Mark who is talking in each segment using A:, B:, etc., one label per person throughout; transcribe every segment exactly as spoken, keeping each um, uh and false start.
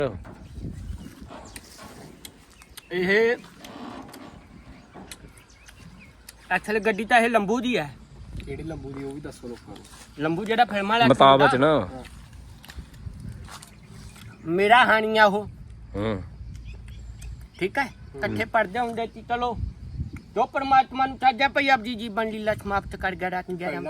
A: ਇਹ ਅਸਲ ਗੱਡੀ ਤਾਂ ਇਹ ਲੰਬੂ ਦੀ ਹੈ।
B: ਕਿਹੜੀ ਲੰਬੂ ਦੀ ਉਹ ਵੀ ਦੱਸੋ ਲੋਕਾਂ ਨੂੰ।
A: ਲੰਬੂ ਜਿਹੜਾ ਫਿਲਮਾਂ ਵਾਲਾ
C: ਮੁਤਾਬਕ ਨਾ
A: ਮੇਰਾ ਹਾਨੀਆ ਉਹ
C: ਹੂੰ
A: ਠੀਕ ਹੈ। ਇਕੱਠੇ ਪੜਦੇ ਹੁੰਦੇ ਸੀ। ਚਲੋ ਜੋ परमात्मा ਨੂੰ ਸਾਜਾ ਪਈ ਆਪ ਜੀ ਜੀਵਨ ਲੀਲਾ ਸਮਾਪਤ ਕਰ ਗਿਆ ਰਾਤ ਗਿਆਰਾਂ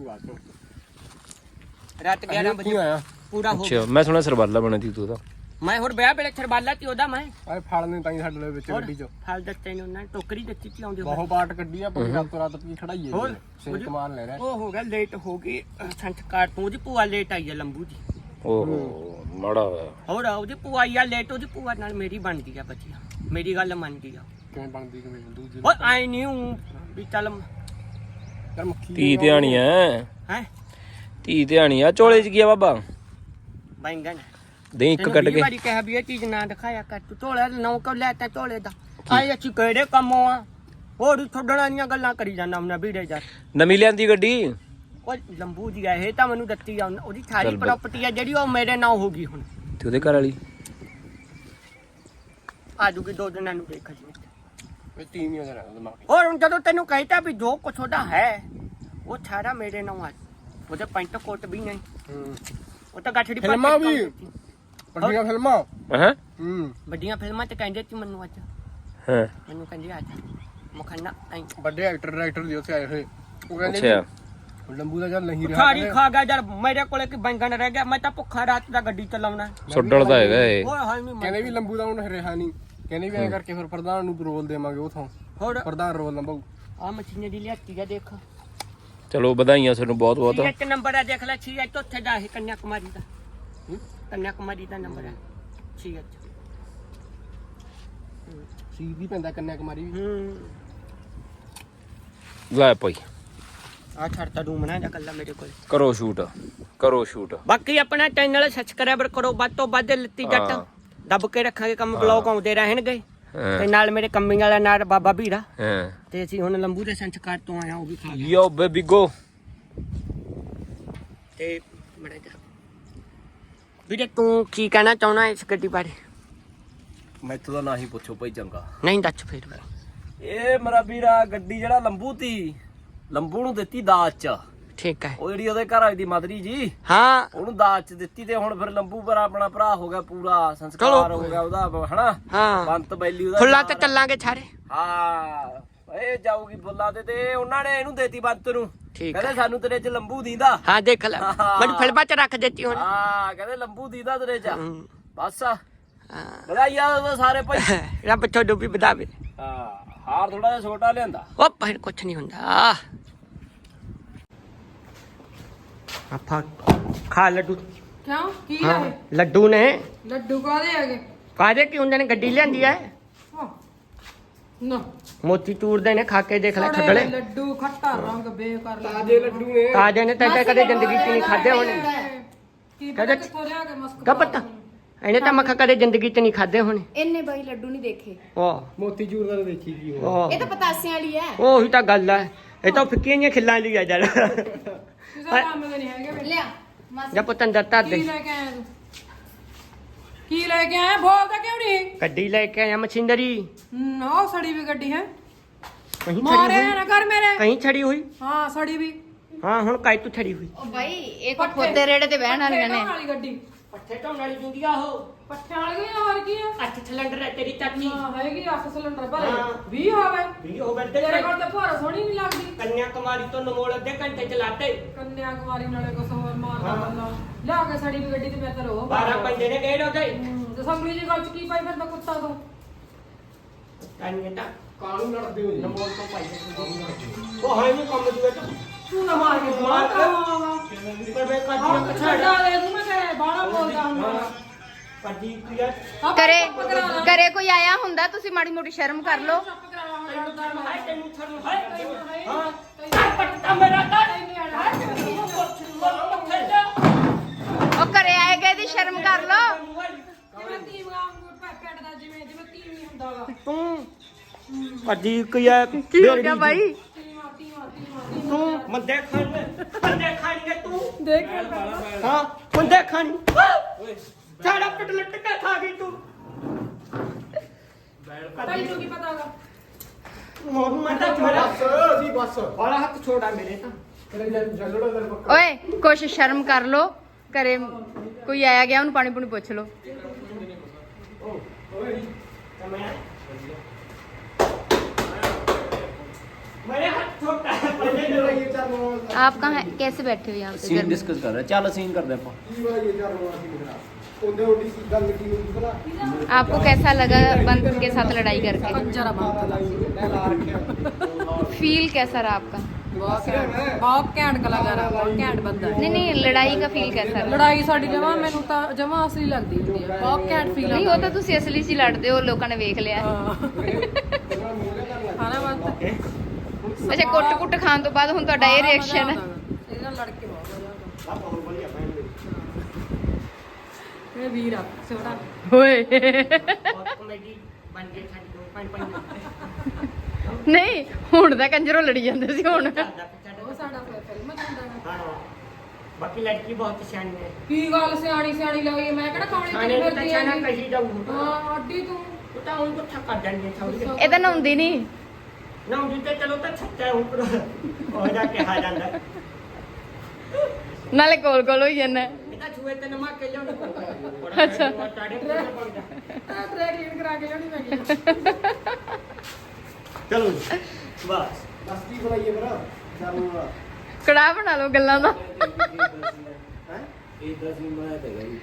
A: ਰਾਤ ਗਿਆਰਾਂ ਵਜੇ
B: ਆਇਆ
A: ਪੂਰਾ ਹੋ
C: ਅੱਛਾ। ਮੈਂ ਸੁਣਿਆ ਸਰਬਾਲਾ ਬਣਾ ਤੀ ਤੂੰ ਤਾਂ।
A: ਮੈਂ ਹੋਰ ਵਿਆਹ ਵੇਲੇ ਸਰਬਾਲਾ ਤੀ ਉਹਦਾ ਮੈਂ
B: ਆਏ ਫੜ ਨੇ ਤਾਂ ਹੀ ਸਾਡੇ ਵਿੱਚ ਗੱਡੀ ਚ
A: ਫਲ ਦਿੱਤੇ ਨੇ ਉਹਨਾਂ ਨੇ ਟੋਕਰੀ ਦਿੱਤੀ ਸੀ ਆਉਂਦੇ
B: ਬਹੁਤ ਬਾਟ ਕੱਢੀ ਆ ਪੂਰੀ ਰਾਤ ਰਾਤ ਪੀ ਖੜਾਈਏ
A: ਹੋਰ
B: ਸਿਰ ਕਮਾਨ ਲੈ ਰਿਹਾ।
A: ਉਹ ਹੋ ਗਿਆ ਲੇਟ ਹੋ ਗਈ ਸੰਸਕਾਰ ਤੋਂ ਉਹਦੀ ਭੂਆ ਲੇਟ ਆਈ ਹੈ ਲੰਬੂ ਦੀ।
C: ਓਹੋ ਮਾੜਾ ਹੋਇਆ।
A: ਹੋਰ ਉਹਦੀ ਭੂਆ ਆਈ ਆ ਲੇਟ। ਉਹਦੀ ਭੂਆ ਨਾਲ ਮੇਰੀ ਬਣਦੀ ਆ ਬੱਚੀਆਂ ਮੇਰੀ ਗੱਲ ਮੰਨਦੀ ਆ।
B: ਕਿਵੇਂ ਬਣਦੀ ਕਿਵੇਂ ਦੂਜੀ
A: ਉਹ ਆਈ ਨਹੀਂ ਹੂੰ ਵੀ ਚੱਲ
B: ਯਾਰ ਮੱਖੀ
C: ਧੀ ਧਿਆਣੀ ਐ
A: ਹੈ
C: ਧੀ ਧਿਆਣੀ ਆ। ਚੋਲੇ ਚ ਕੀ ਆ ਬਾਬਾ?
A: ਬੈਂਗਣ
C: ਦੇ ਇੱਕ ਕੱਢ ਕੇ
A: ਵਾਰੀ ਕਿਹਾ ਵੀ ਇਹ ਚੀਜ਼ ਨਾ ਦਿਖਾਇਆ ਕਰ ਤੂੰ ਝੋਲੇ ਨੌ ਕੋ ਲੈ ਤਾ ਝੋਲੇ ਦਾ ਆਏ ਅੱਛੀ ਕਿਹੜੇ ਕੰਮੋਂ ਆ ਹੋਰ ਛੱਡਣਾ ਦੀਆਂ ਗੱਲਾਂ ਕਰੀ ਜਾਂਦਾ ਮੈਂ ਵੀੜੇ ਜਾ
C: ਨਵੀਂ ਲਿਆਂਦੀ ਗੱਡੀ।
A: ਉਹ ਲੰਬੂ ਦੀ ਆ ਇਹ ਤਾਂ ਮੈਨੂੰ ਦਿੱਤੀ ਆ ਉਹਦੀ ਸਾਰੀ ਪ੍ਰਾਪਰਟੀ ਆ ਜਿਹੜੀ ਉਹ ਮੇਰੇ ਨਾਂ ਹੋ ਗਈ ਹੁਣ
C: ਤੇ ਉਹਦੇ ਘਰ ਵਾਲੀ
A: ਆ ਜੂਗੀ ਦੋ ਦਿਨਾਂ ਨੂੰ ਦੇਖ ਜੀ।
B: ਇਹ ਤੀਨ ਹੀ ਹੋ ਜਾਣਾ ਦਿਮਾਗ।
A: ਹੋਰ ਹੁਣ ਜਦੋਂ ਤੈਨੂੰ ਕਹਿਤਾ ਵੀ ਜੋ ਕੁਛ ਉਹਦਾ ਹੈ ਉਹ ਸਾਰਾ ਮੇਰੇ ਨਾਂ ਆ। ਉਹਦੇ ਪੈਂਟ ਕੋਟ ਵੀ ਨਹੀਂ
B: ਹੂੰ
A: ਉਹ ਤਾਂ ਗੱਠੜੀ
B: ਫਿਲਮਾਂ ਵੀ ਵੱਡੀਆਂ ਫਿਲਮਾਂ
C: ਹਾਂ
B: ਹੂੰ
A: ਵੱਡੀਆਂ ਫਿਲਮਾਂ ਤੇ ਕਹਿੰਦੇ ਸੀ ਮੈਨੂੰ ਅੱਜ
C: ਹਾਂ
A: ਮੈਨੂੰ ਕਹਿੰਦੇ ਅੱਜ ਮਖਾਨਾ ਐਂ
B: ਵੱਡੇ ਐਕਟਰ ਡਾਇਰੈਕਟਰ ਦੀ ਉੱਥੇ ਆਏ ਹੋਏ ਉਹ ਕਹਿੰਦੇ
C: ਅੱਛਾ
B: ਵੀ ਲੰਬੂ ਦਾ ਚੱਲ ਨਹੀਂ ਰਿਹਾ
A: ਸਾਰੀ ਖਾ ਗਿਆ ਯਾਰ ਮੇਰੇ ਕੋਲੇ ਕਿ ਬੈਂਗਣ ਰਹਿ ਗਿਆ। ਮੈਂ ਤਾਂ ਭੁੱਖਾ ਰਾਤ ਦਾ ਗੱਡੀ ਚਲਾਉਣਾ
C: ਸੁੱਡਲ ਦਾ ਹੈਗਾ ਇਹ।
A: ਓਏ ਹਾਏ ਨਹੀਂ
B: ਕਹਿੰਦੇ ਵੀ ਲੰਬੂ ਦਾ ਹੁਣ ਰਿਹਾ ਨਹੀਂ। ਕਹਿੰਦੇ ਵੀ ਐਂ ਕਰਕੇ ਫਿਰ ਪ੍ਰਧਾਨ ਨੂੰ ਰੋਲ ਦੇਵਾਂਗੇ ਉਥੋਂ
A: ਹੋਰ
B: ਪ੍ਰਧਾਨ ਰੋਲ ਲੰਬੂ
A: ਆ ਮਸ਼ੀਨਰੀ ਲਿਆਤੀ ਆ ਦੇਖ
C: ਚਲੋ ਵਧਾਈਆਂ ਤੁਹਾਨੂੰ ਬਹੁਤ ਬਹੁਤ।
A: ਇੱਕ ਨੰਬਰ ਆ ਦੇਖ ਲੈ ਛੀ ਐਚ ਉੱਥੇ ਦਾ ਇਹ ਕੰਨਿਆ ਕੁਮਾਰੀ ਦਾ ਕੰਨਿਆ ਕੁਮਾਰੀ ਦਾ ਨੰਬਰ ਹੈ ਛੀ ਐਚ
B: ਸੀ ਵੀ ਪੈਂਦਾ ਕੰਨਿਆ ਕੁਮਾਰੀ ਵੀ।
A: ਹੂੰ
C: ਲੈ ਭਾਈ
A: ਆ ਛੜਤਾ ਰੂਮ ਨਾ ਜਾ ਕੱਲਾ ਮੇਰੇ ਕੋਲ।
C: ਕਰੋ ਸ਼ੂਟ ਕਰੋ ਸ਼ੂਟ।
A: ਬਾਕੀ ਆਪਣਾ ਚੈਨਲ ਸਬਸਕ੍ਰਾਈਬਰ ਕਰੋ ਵੱਧ ਤੋਂ ਵੱਧ ਲੱਤੀ ਜੱਟ ਦੱਬ ਕੇ ਰੱਖਾਂਗੇ ਕੰਮ ਬਲੌਗ ਆਉਂਦੇ ਰਹਿਣਗੇ ਤੇ ਨਾਲ ਮੇਰੇ ਕੰਮੀ ਵਾਲਾ ਨਾਲ ਬਾਬਾ ਭੀੜਾ
C: ਹਾਂ
A: ਤੇ ਅਸੀਂ ਹੁਣ ਲੰਬੂ ਦੇ ਸੰਸਕਾਰ ਤੋਂ ਆਇਆ ਉਹ ਵੀ ਖਾ ਗਿਆ
C: ਯੋ ਬੇਬੀ ਗੋ
A: ਤੇ ਮੜਾ ਜਾ ਵੀਰੇ ਤੂੰ ਕੀ ਕਹਿਣਾ ਚਾਹਣਾ ਇਸ ਗੱਡੀ ਬਾਰੇ?
C: ਮੈਥੋਂ ਤਾਂ ਨਾ ਹੀ ਪੁੱਛੋ ਭਾਈ ਚੰਗਾ।
A: ਨਹੀਂ ਦੱਸ ਫਿਰ
C: ਇਹ ਮੇਰਾ ਵੀਰਾ ਗੱਡੀ ਜਿਹੜਾ ਲੰਬੂ ਤੀ ਲੰਬੂ ਨੂੰ ਦਿੱਤੀ ਦਾਜ ਚ।
A: ਠੀਕ ਹੈ
C: ਉਹ ਜਿਹੜੀ ਉਹਦੇ ਘਰ ਵਾਲੀ ਦੀ ਮਦਰੀ ਜੀ
A: ਹਾਂ
C: ਉਹਨੂੰ ਦਾਜ ਚ ਦਿੱਤੀ ਤੇ ਹੁਣ ਫਿਰ ਲੰਬੂ ਪਰ ਆਪਣਾ ਭਰਾ ਹੋ ਗਿਆ ਪੂਰਾ ਸੰਸਕਾਰ ਹੋ ਗਿਆ ਉਹਦਾ ਹਨਾ।
A: ਹਾਂ
C: ਬੰਤ ਬੈਲੀ ਉਹਦਾ
A: ਫੁੱਲਾਂ ਤੇ ਚੱਲਾਂਗੇ ਸਾਰੇ।
C: ਹਾਂ ਇਹ ਜਾਊਗੀ ਫੁੱਲਾਂ ਤੇ ਤੇ ਉਹਨਾਂ ਨੇ ਇਹਨੂੰ ਦੇਤੀ ਬੰਤ ਨੂੰ।
A: ਠੀਕ
C: ਕਹਿੰਦੇ ਸਾਨੂੰ ਤੇਰੇ ਚ ਲੰਬੂ ਦੀਦਾ।
A: ਹਾਂ ਦੇਖ ਲੈ ਮੈਨੂੰ ਫਿਲਮਾਂ ਚ ਰੱਖ ਦਿੱਤੀ ਹੁਣ।
C: ਹਾਂ ਕਹਿੰਦੇ ਲੰਬੂ ਦੀਦਾ ਤੇਰੇ ਚ
A: ਹੂੰ।
C: ਬਸ
A: ਹਾਂ
C: ਵਧਾਈਆਂ ਸਾਰੇ ਭਾਈ।
A: ਰੱਬ ਤੁਹਾਨੂੰ ਵੀ ਵਧਾਵੇ।
C: ਹਾਂ ਹਾਰ ਥੋੜਾ ਜਿਹਾ ਛੋਟਾ ਲਿਆਂਦਾ।
A: ਉਹ ਪਰ ਕੁਛ ਨਹੀਂ ਹੁੰਦਾ ਆਪਾਂ ਖਾ ਲੱਡੂ।
D: ਕਿਉਂ ਕੀ
A: ਹਾਂ
D: ਹੈ
A: ਲੱਡੂ ਨੇ
D: ਲੱਡੂ ਕਾਦੇ ਹੈਗੇ?
A: ਕਾਹਦੇ ਕੀ ਹੁੰਦੇ ਨੇ ਗੱਡੀ ਲਿਆਂਦੀ ਐ
D: ਹਾਂ ਨਾ
A: ਮੋਤੀ ਚੂਰ ਦੇ ਨੇ ਖਾ ਕੇ ਦੇਖ ਲੈ
D: ਸੜੇ
A: ਛੱਡਲੇ
D: ਲੱਡੂ ਖੱਟਾ ਰੰਗ ਬੇਕਾਰ
B: ਤਾਜੇ ਲੱਡੂ ਨੇ।
A: ਤਾਜੇ ਨੇ ਤਾਂ ਕਦੇ ਜ਼ਿੰਦਗੀ 'ਚ ਨਹੀਂ ਖਾਦੇ ਹੋਣੇ।
D: ਕੀ
A: ਕਦੇ-
D: ਪਤਾ ਕਿੱਥੋਂ ਲਿਆ ਕੇ ਮਸਕ
A: ਕਾ ਪਤਾ ਇਹਨੇ ਤਾਂ ਮੱਖਾ ਕਦੇ ਜ਼ਿੰਦਗੀ 'ਚ ਨਹੀਂ ਖਾਦੇ ਹੋਣੇ।
E: ਇਹਨੇ ਬਾਈ ਲੱਡੂ ਨਹੀਂ ਦੇਖੇ।
A: ਉਹ
B: ਮੋਤੀ ਚੂਰ ਦਾ ਤਾਂ ਦੇਖੀ ਕੀ ਹੋ
A: ਉਹ
E: ਇਹ ਤਾਂ ਪਤਾਸਿਆਂ ਵਾਲੀ ਹੈ।
A: ਉਹੀ ਤਾਂ ਗੱਲ ਐ। ਇਹ ਤਾਂ ਫਿੱਕੀਆਂ ਜਿਹੀਆਂ ਖਿੱਲਾਂ ਲਈ ਆ ਜਦ
D: ਕਿਸੇ ਕੰਮ ਦੇ ਨਹੀਂ ਹੈਗੇ ਵੇ।
E: ਲਿਆ ਮਾਸੀ
A: ਜਾਂ ਪੁੱਤ ਅੰਦਰ ਧਰ
D: ਕੀ
A: ਦੇ।
D: ਲੈ ਕੇ ਆਇਆ ਤੂੰ? ਕੀ ਲੈ ਕੇ ਆਇਆ? ਬੋਲਦਾ ਕਿਉਂ ਨਹੀਂ?
A: ਗੱਡੀ ਲੈ ਕੇ ਆਇਆ ਮਸ਼ੀਨਰੀ
D: ਨਾ ਸੜੀ ਵੀ ਗੱਡੀ ਹੈ।
A: ਕਹੀਂ
D: ਮਾਰੇ
A: ਛੜੀ ਹੋਈ
D: ਨਾ ਕਰ ਮੇਰੇ।
A: ਕਹੀਂ ਛੜੀ ਹੋਈ
D: ਹਾਂ ਸੜੀ ਵੀ।
A: ਹਾਂ ਹੁਣ ਕਾਈ ਤੂੰ ਛੜੀ ਹੋਈ
E: ਉਹ ਬਾਈ ਇਹ ਕੋ ਖੋਤੇ ਰੇੜੇ ਤੇ ਬਹਿਣ ਵਾਲੀਆਂ ਨੇ।
D: ਵਾਲੀ ਗੱਡੀ
A: ਪੱਠੇ ਢੋਣ ਵਾਲੀ ਦੁਨੀਆ ਉਹ
D: ਪੱਠਿਆਂ ਵਾਲੀ ਆ, ਹੋਰ ਕੀ ਆ?
A: ਅੱਠ ਸਿਲੰਡਰ ਹੈ ਤੇਰੀ ਚਾਚੀ
D: ਹਾਂ ਹੈਗੀ ਅੱਠ ਸਿਲੰਡਰ ਭਰੇ
A: ਹਾਂ।
D: ਵੀਹ ਹੋਵੇ
A: ਵੀ ਉਹ ਬੰਦੇ
D: ਤੇਰੇ ਕੋਲ ਤਾਂ ਭੋਰਾ ਸੋਹਣੀ ਨਹੀਂ ਲੱਗਦੀ।
A: ਕੰਨਿਆ ਕੁਮਾਰੀ ਤੋਂ ਨਮੋਲ ਅੱਧੇ ਘੰਟੇ ਚਲਾਤੇ
D: ਕੰਨਿਆ ਕੁਮਾਰੀ ਨਾਲੇ ਕੁਛ ਹੋਰ ਮਾਰਦਾ ਬੰਦਾ ਲਿਆ ਕੇ ਸੜੀ ਵੀ ਗੱਡੀ ਤੇ ਮੈਂ ਤਾਂ ਰੋ
A: ਬਾਰਾਂ ਬੰਦੇ ਨੇ ਗਏ ਉਹਦੇ
D: ਤੇ ਸੰਗਲੀ ਜੀ ਗੱਲ ਚ ਕੀ ਪਾਈ ਫਿਰਦਾ ਕੁੱਤਾ ਤੋਂ?
A: ਕੰਨਿਆ ਤਾਂ
B: ਕਾਹਨੂੰ ਲੜਦੇ ਹੋ ਜੀ?
A: ਨਮੋਲ ਤੋਂ ਪਾਈ ਉਹ ਹੈ ਨਹੀਂ ਕੰਮ ਜੂਏ ਤੂੰ ਤੂੰ ਨਾ ਮਾਰ ਕੇ ਮਾਰ ਪਰ ਮੈਂ ਕਾਜੀ
D: ਛੱਡਾ ਦੇ ਤੂੰ ਮੈਂ ਕਹੇ ਬਾਹਲਾ ਬੋਲਦਾ ਹੁੰਦਾ
A: ਕਾਜੀ ਕਿਆ
E: ਕਰੇ ਕਰੇ ਕੋਈ ਆਇਆ ਹੁੰਦਾ ਤੁਸੀਂ ਮਾੜੀ ਮੋਟੀ ਸ਼ਰਮ ਕਰ ਲਓ।
D: ਚੁੱਪ ਕਰਾ ਹੁਣ ਲੜਦਾ ਨਾ
A: ਹੈ ਤੈਨੂੰ ਛੱਡ ਹੈ ਹਾਂ ਪੱਟਾ ਮੇਰਾ ਕਰ
E: ਉਹ ਘਰੇ ਆਏ ਗਏ ਦੀ ਸ਼ਰਮ ਕਰ ਲਓ।
D: ਜਿਵੇਂ ਧੀ ਵਾਂਗੂ ਪੈਟ ਦਾ ਜਿਵੇਂ ਜਿਵੇਂ ਧੀ ਨਹੀਂ ਹੁੰਦਾ ਵਾ
A: ਤੂੰ ਕਾਜੀ ਕਿਆ
E: ਕੀ ਹੋ ਗਿਆ ਬਾਈ?
D: ਧੀਵਾ ਧੀਵਾ ਧੀਵਾ
A: ਤੂੰ ਮੰਦੇ ਖਾਣ ਮੰਦੇ ਖਾਣਗੇ ਤੂੰ
D: ਦੇਖ
A: ਹਾਂ ਮੰਦੇ ਖਾਣੀ ਸਾਡਾ ਪਿੱਟ ਲੁੱਟ ਕੇ ਖਾ ਗਈ ਤੂੰ
D: ਤੈਨੂੰ ਕੀ ਪਤਾਗਾ
A: ਮੋਰ ਮੈਂ ਤਾਂ ਮੇਰਾ
B: ਬਸ ਅਸੀਂ ਬਸ
A: ਵਾਲਾ ਹੱਥ ਛੋੜਾ ਮੇਰੇ ਤਾਂ
B: ਤੇਰੇ ਜੱਲੜਾ ਦਰ ਪੱਕਾ
E: ਓਏ ਕੁਛ ਸ਼ਰਮ ਕਰ ਲੋ ਘਰੇ ਕੋਈ ਆਇਆ ਗਿਆ ਉਹਨੂੰ ਪਾਣੀ ਪੂਣੀ ਪੁੱਛ ਲੋ
A: मेरे हाथ छोटा है पहले
B: ਇਹ ਚੱਲ ਰੋਣਾ
E: आप कहाँ हैं? कैसे बैठे हुए यहाँ पे
C: ਸੀਨ
E: घर में?
C: ਡਿਸਕਸ ਕਰ ਰਹੇ ਚੱਲ ਸੀਨ ਕਰਦੇ ਆਪਾਂ
B: ਕੀ ਵਾਰ ਇਹ ਚੱਲ ਰੋਣਾ ਸੀ ਮੇਰਾ ਉਹਦੇ ਉਹਦੀ ਕੀ ਗੱਲ ਕੀ ਹੋਈ ਭਲਾ
E: आपको कैसा लगा बंद के साथ लड़ाई करके
D: ਕੰਜਰਾ ਬੰਦ
B: ਲਾ ਰੱਖਿਆ
E: फील कैसा रहा आपका
D: ਬਹੁਤ ਘੈਂਟ ਕਲਾਕਾਰ ਆ ਬਹੁਤ ਘੈਂਟ ਬੰਦਾ ਹੈ।
E: नहीं नहीं लड़ाई का फील कैसा रहा
D: ਲੜਾਈ ਸਾਡੀ ਜਮਾ ਮੈਨੂੰ ਤਾਂ ਜਮਾ ਅਸਲੀ ਲੱਗਦੀ ਹੁੰਦੀ ਹੈ ਬਹੁਤ ਘੈਂਟ ਫੀਲ
E: नहीं वो तो तुसी असली सी लड़ते हो लोगों ने देख लिया
D: ਖਾਣਾ ਬੰਦ
E: अच्छा कुट कुट खान तो बाद हुन ਤੁਹਾਡਾ ਇਹ ਰਿਐਕਸ਼ਨ ਹੈ
D: ਇਹਦੇ ਨਾਲ ਲੜ ਕੇ ਬਹੁਤ ਮਜ਼ਾ ਆਉਂਦਾ ਇਹ ਵੀਰ ਆ ਛੋਟਾ
E: ਓਏ
A: बहुत कॉमेडी बन गई साडी दो पांच पांच
E: ਨਹੀਂ ਹੁਣ ਤਾਂ ਕੰਜਰੋਂ ਲੜੀ ਜਾਂਦੇ ਸੀ ਹੁਣ
D: ਉਹ ਸਾਡਾ ਫਿਲਮ ਚ ਹੁੰਦਾ ਹੈ
A: हाँ बाकी लड़की बहुत सियानी है
D: ਕੀ ਗੱਲ ਸਿਆਣੀ ਸਿਆਣੀ ਲੱਗੀ ਮੈਂ ਕਿਹੜਾ ਖਾਣੀ
A: खाने
D: ਤੇ
A: को तो
D: ਫਿਰਦੀ
A: छाना
D: ਆ
A: कहीं जाऊँ
D: ਹਾਂ ਅੱਡੀ ਤੂੰ
A: तो ता उनको थका देंगे छोड़
E: ਇਹ ਤਾਂ ਨਹਾਉਂਦੀ ਨਹੀਂ
A: ना उनके चलो तो छक्का है ऊपर और जाके आ जाता है
E: ਨਾਲੇ ਕੋਲ ਕੋਲ ਹੋਈ ਜਾਂਦਾ
A: बेटा छुए ते नमा के जाओ
E: अच्छा।
D: ਆ ਟਰੈਕ ਲੀਨ ਕਰਾ ਕੇ ਲਿਆਉਣੀ ਮੈਂ ਕਿਹਾ
A: चलो बस
B: ਬਸ ਕੀ ਬਣਾਈਏ ਭਰਾ ਚੱਲ ਰੋਣਾ
E: ਕੜਾਹ ਬਣਾ ਲਓ ਗੱਲਾਂ ਦਾ
C: ਇਦਾਂ ਸੀਨ ਬਣਾਇਆ ਤੇ ਗਈ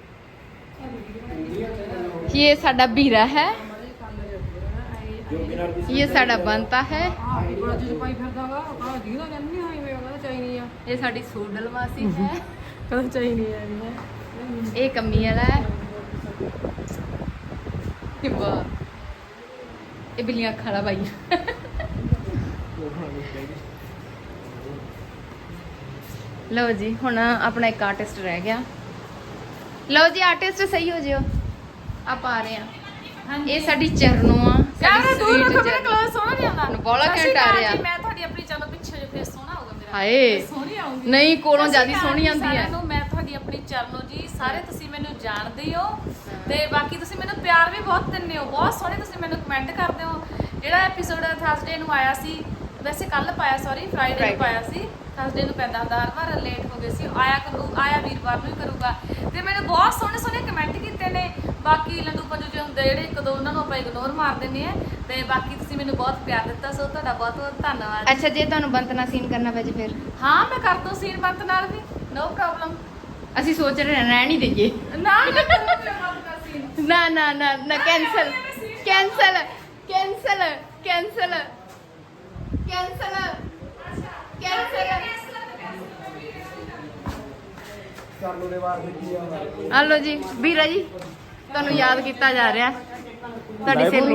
E: ये ਸਾਡਾ ਵੀਰਾ ਹੈ
C: ਜੋ ਬਿਨਾਂ ਦੀ
E: ये ਸਾਡਾ ਬੰਤਾ ਹੈ
D: ਆ ਬੜਾ ਜਿਹਾ ਪਾਈ ਫਿਰਦਾਗਾ ਆ ਦੀਦਾ ਕਹਿੰਦੀ ਹਾਈ ਵੇ ਕਹਿੰਦਾ ਚਾਹੀਦੀ ਆ
E: ਇਹ ਸਾਡੀ ਸੋਡਲ ਮਾਸੀ ਹੈ
D: ਕਹਿੰਦਾ ਚਾਹੀਦੀ ਆ ਇਹ
E: ਇਹ ਕੰਮੀ ਵਾਲਾ ਹੈ ਇਹ ਵਾਹ ਇਹ ਬਿੱਲੀਆਂ ਅੱਖਾਂ ਵਾਲਾ ਬਾਈ ਲਓ ਜੀ ਹੁਣ ਆਪਣਾ ਇੱਕ ਆਰਟਿਸਟ ਰਹਿ ਗਿਆ ਲਓ ਜੀ ਆਰਟਿਸਟ ਸਹੀ ਹੋ ਜਿਓ ਆਪਾਂ ਆ ਰਹੇ ਆ ਇਹ ਸਾਡੀ ਚਰਨੋ ਆ
F: ਯਾਰ ਦੂਰ ਰੱਖੋ ਮੇਰਾ
E: ਚਰਨੋ।
F: ਕਲਰ ਸੋਹਣਾ ਨਹੀਂ ਆਉਂਦਾ
E: ਬੋਲਾ
F: ਸਤਿ ਸ਼੍ਰੀ
E: ਘੈਂਟ ਆ
F: ਅਕਾਲ
E: ਰਿਹਾ।
F: ਜੀ, ਮੈਂ ਤੁਹਾਡੀ ਆਪਣੀ ਚਲੋ ਪਿੱਛੇ ਜੋ ਫੇਸ ਸੋਹਣਾ ਹੋਊਗਾ ਮੇਰਾ
E: ਹਾਏ
F: ਮੈਂ ਸੋਹਣੀ ਆਉਂਗੀ
E: ਨਹੀਂ ਕੋਲੋਂ
F: ਸਤਿ ਸ਼੍ਰੀ
E: ਜਿਆਦਾ
F: ਅਕਾਲ
E: ਸੋਹਣੀ
F: ਜੀ
E: ਆਉਂਦੀ
F: ਸਾਰਿਆਂ
E: ਹੈ
F: ਨੂੰ, ਮੈਂ ਤੁਹਾਡੀ ਆਪਣੀ ਚਰਨੋ ਜੀ ਸਾਰੇ ਤੁਸੀਂ ਮੈਨੂੰ ਜਾਣਦੇ ਹੋ ਤੇ ਬਾਕੀ ਤੁਸੀਂ ਮੈਨੂੰ ਪਿਆਰ ਵੀ ਬਹੁਤ ਦਿੰਦੇ ਹੋ ਬਹੁਤ ਸੋਹਣੇ ਤੁਸੀਂ ਮੈਨੂੰ ਕਮੈਂਟ ਕਰਦੇ ਹੋ ਜਿਹੜਾ ਐਪੀਸੋਡ ਥਰਸਡੇ ਨੂੰ ਆਇਆ ਸੀ ਵੈਸੇ ਕੱਲ ਪਾਇਆ ਸੌਰੀ ਫਰਾਈਡੇ ਨੂੰ ਪਾਇਆ ਸੀ ਥਰਸਡੇ ਨੂੰ ਪੈਂਦਾ ਹੁੰਦਾ ਹਰ ਵਾਰ ਲੇਟ ਹੋ ਗਏ ਸੀ ਆਇਆ ਕਰੂ ਆਇਆ ਵੀਰਵਾਰ ਨੂੰ ਹੀ ਕਰੂਗਾ ਤੇ ਮੈਨੂੰ ਬਹੁਤ ਸੋਹਣੇ ਸੋਹਣੇ ਕਮੈਂਟ ਕੀਤੇ ਨੇ ਬਾਕੀ ਲੰਡੂ ਪੰਜੂ ਜਿਹੇ ਹੁੰਦੇ ਜਿਹੜੇ ਇੱਕ ਦੋ ਉਹਨਾਂ ਨੂੰ ਆਪਾਂ ਇਗਨੋਰ ਮਾਰ ਦਿੰਦੇ ਆ ਤੇ ਬਾਕੀ ਤੁਸੀਂ ਮੈਨੂੰ ਬਹੁਤ ਪਿਆਰ ਦਿੱਤਾ ਸੋ ਤੁਹਾਡਾ ਬਹੁਤ ਬਹੁਤ ਧੰਨਵਾਦ
E: ਅੱਛਾ ਜੇ ਤੁਹਾਨੂੰ ਬੰਤਨਾ ਸੀਨ ਕਰਨਾ ਪੈ ਜੇ ਫਿਰ
F: ਹਾਂ ਮੈਂ ਕਰ ਦੂੰ ਸੀਨ ਬੰਤ ਨਾਲ ਵੀ ਨੋ ਪ੍ਰੋਬਲਮ
E: ਅਸੀਂ ਸੋਚ ਰਹੇ ਹਾਂ ਰਹਿਣ ਹੀ ਦੇਈਏ
F: ਨਾ ਨਾ ਕਰੂੰ ਮੈਂ ਬੰਤ ਦਾ ਸੀਨ
E: ਨਾ ਨਾ ਨਾ ਨਾ cancel cancel cancel cancel cancel cancel
B: ਚੱਲ ਉਹਦੇ ਵਾਰ ਦੇਖੀ ਆ
E: ਹਲੋ ਜੀ ਵੀਰਾ ਜੀ ਤੁਹਾਨੂੰ ਯਾਦ ਕੀਤਾ ਜਾ ਰਿਹਾ ਤੁਹਾਡੀ ਸਹੇਲੀ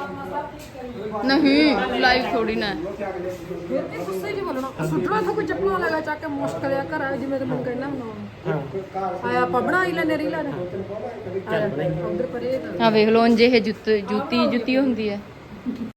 E: ਨਹੀਂ ਲਾਈਵ ਥੋੜੀ ਨਾ
D: ਇਹ ਗੁੱਸੇ ਜੀ ਬੋਲਣਾ ਸੁੱਟਣਾ ਤਾਂ ਕੋਈ ਚੱਪਲਾਂ ਲਗਾ ਚੱਕ ਕੇ ਮੁਸ਼ਕਲ ਆ ਘਰ ਆ ਜਿਵੇਂ ਤੇ ਮੈਨੂੰ ਕਹਿਣਾ ਹੁੰਦਾ ਆਇਆ ਆਪਾਂ ਬਣਾਈ ਲੈਨੇ ਰੀਲਾ ਨੇ ਉਧਰ ਪਰੇ
E: ਆ ਵੇਖ ਲਓ ਜੇ ਇਹ ਜੁੱਤ ਜੁੱਤੀ ਜੁੱਤੀ ਹੁੰਦੀ ਹੈ